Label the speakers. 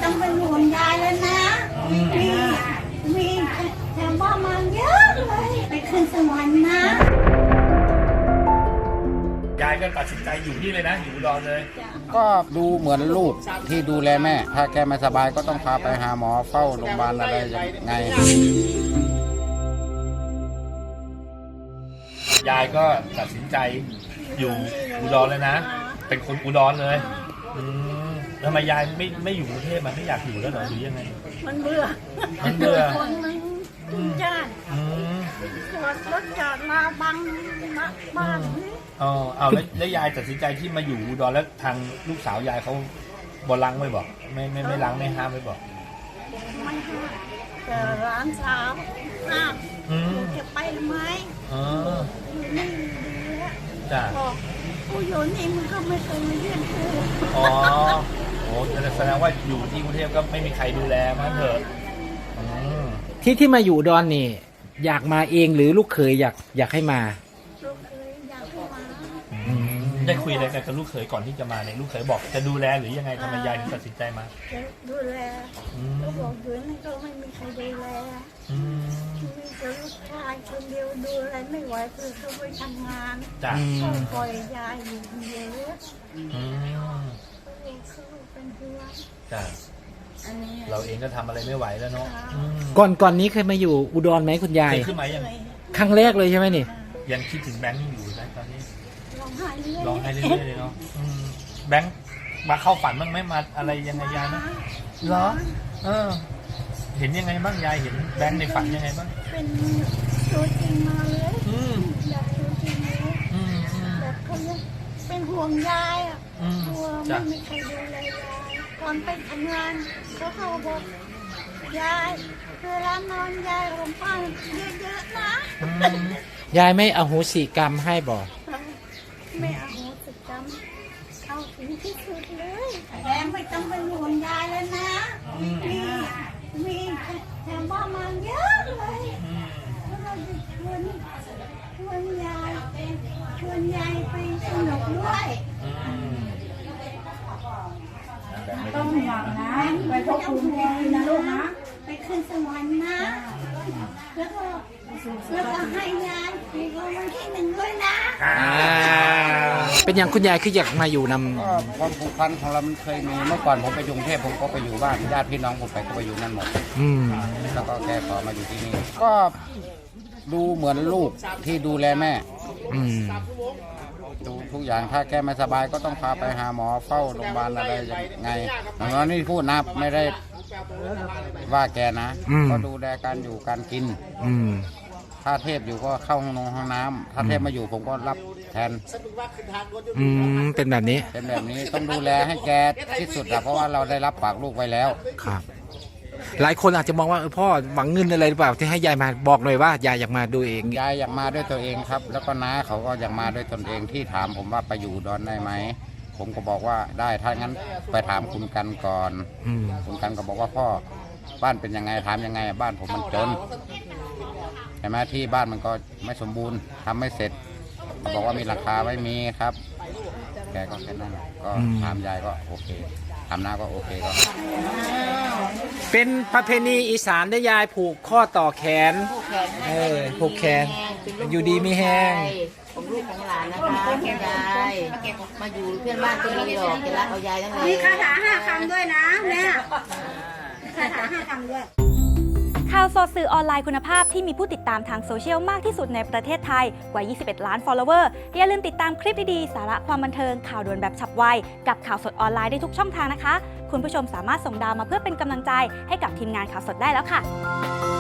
Speaker 1: ต้องเป็นห่วงยายแล้วนะมีชาวบ้านมาเยอะเลยไปขึ้นสวรรค์นะ
Speaker 2: ยายก็ตัดสินใจอยู่นี่เลยนะอยู่อุดรเลย
Speaker 3: ก็ดูเหมือนลูกที่ดูแลแม่ถ้าแกไม่สบายก็ต้องพาไปหาหมอเฝ้าโรงพยาบาลอะไรยังไง
Speaker 2: ยายก็ตัดสินใจอยู่อุดรเลยนะเป็นคนอุดรเลยทำไมยายไม่อยู่กรุงเทพมันไม่อยากอยู่แล้วเหรอหรือยังไง
Speaker 1: มันเบื่อคนมันจุนจ้านรถจอดมาบังบ้าน
Speaker 2: เอาแล้วยายตัดสินใจที่มาอยู่อุดรแล้วทางลูกสาวยายเขาบลังไม่บอกไม่ล้างไม่ห้ามไม่บอก
Speaker 1: ไม่ห้ามแต่ร้านสาวห้ามจะไปไหมอยู่นี่ดีแล้ว
Speaker 2: จ้ะ
Speaker 1: กูอยู่นี่มึงก็ไม่เคยมาเยี่ยมกู
Speaker 2: อ๋อโอ้แสดงว่าอยู่ที่กรุงเทพก็ไม่มีใครดูแลมันเถอะ
Speaker 4: ที่มาอยู่อุดรนี่อยากมาเองหรือลูกเขยอยากให้มา
Speaker 1: ลูกเขยอยากให้มา
Speaker 2: ได้คุยอะไรกันกับลูกเขยก่อนที่จะมาเนี่ยลูกเขยบอกจะดูแลหรือยังไงทำไมยายถึงตัดสินใจมา
Speaker 1: จะดูแลก็บอกอยู่นั่นก็ไม่มีใครดูแลมีแต่ลูกชายคนเดียวดูแลไม่ไหวเพื่อเขาไปทำงาน
Speaker 2: จ้ะ
Speaker 1: ก็ปล่อยยายอยู่คนเดียวเขาเป็นห่วง
Speaker 2: จ้ะเราเองก็ทำอะไรไม่ไหวแล้วเนาะ
Speaker 4: ก่อนนี้เคยมาอยู่อุดรไหมคุณยาย
Speaker 2: เคยขึ้นมายัง
Speaker 4: ครั้งแรกเลยใช่ไหมนี่
Speaker 2: ยังคิดถึงแบงค์อยู่นะตอนนี้
Speaker 1: ร้องไห้เรื่
Speaker 2: อยๆเลยเนาะแบงค์มาเข้าฝันบ้างไหมมาอะไรยังไงยายนะเหรอเห็นยังไงบ้างยายเห็นแบงค์ในฝันยังไงบ้าง
Speaker 1: เป็นตัวจริงมาเลยแบบตัวจริงเลยแบบเขาเป็นห่วงยายอ่ะกลัวไม่มีใครดูแลยายก่อนไปทำงานเขาบอกยายเวลานอนยายผมฟังเยอะๆนะ
Speaker 4: ยายไม่อโหสิกรรมให้บอก
Speaker 1: ไม่อโหสิกรรมเข้าถึงที่สุดเลยแกไม่ต้องเป็นห่วงยายแล้วนะมีชาวบ้านมาเยอะเลยแล้วเราจะชวนยายไปสนุกด้วย
Speaker 5: ต้องห่วงนะไปพบคุณแม่นะลูกนะ
Speaker 1: ไปขึ้นสวรรค์นะแล้วก็ให้ยายถูกรางวัลที่1ด้วยนะ
Speaker 4: เป็นอย่างคุณยายคืออยากมาอยู่น
Speaker 3: ำความผูกพันของเรามันเคยมีเมื่อก่อนผมไปกรุงเทพผมก็ไปอยู่บ้านญาติพี่น้องผมไปอยู่นั่นหมดแล้วก็แกขอมาอยู่ที่นี่ก็ดูเหมือนลูกที่ดูแลแม่ดูทุกอย่างถ้าแกไม่สบายก็ต้องพาไปหาหมอเฝ้าโรงพยาบาลอะไรยังไงอย่างนั้นนี่พูดนะไม่ได้ว่าแกนะก็ดูแลการอยู่การกินถ้าเทพอยู่ก็เข้าห้องน้ำถ้าเทพมาอยู่ผมก็รับแทน
Speaker 4: เป็นแบบนี้
Speaker 3: ต้องดูแลให้แกที่สุดเพราะว่าเราได้รับปากลูกไว้แล้ว
Speaker 4: ครับหลายคนอาจจะมองว่าพ่อหวังเงินอะไรหรือเปล่าที่ให้ยายมาบอกหน่อยว่ายายอยากมาดูเอง
Speaker 3: ยายอยากมาด้วยตัวเองครับแล้วก็น้าเขาก็อยากมาด้วยตนเองที่ถามผมว่าไปอยู่อุดรได้ไหมผมก็บอกว่าได้ถ้างั้นไปถามคุณกันก่อนคุณกันก็บอกว่าพ่อบ้านเป็นยังไงถามยังไงบ้านผมมันจนใช่ไหมที่บ้านมันก็ไม่สมบูรณ์ทำไม่เสร็จเขาบอกว่ามีราคาไม่มีครับแกก็แค่นั้นก็ถามยายก็โอเคถามน้าก็โอเคก็
Speaker 4: เป็นประเพณีอีสานได้ยายผูกข้อต่อแขนผูกแขนอยู่ดีไม่แห้ง
Speaker 5: ผมลูกของหลานนะคะยายมาอยู่เพื่อนบ้านก็มีหรอกจะรักเอายายทั้งนั้น
Speaker 1: มีคาถา5 คำด้วยนะแม่คาถา5 คำด้วย
Speaker 6: ข่าวสดสื่อออนไลน์คุณภาพที่มีผู้ติดตามทางโซเชียลมากที่สุดในประเทศไทยกว่า 21 ล้าน follower อย่าลืมติดตามคลิปดีๆสาระความบันเทิงข่าวด่วนแบบฉับไวกับข่าวสดออนไลน์ได้ทุกช่องทางนะคะคุณผู้ชมสามารถส่งดาวมาเพื่อเป็นกำลังใจให้กับทีมงานข่าวสดได้แล้วค่ะ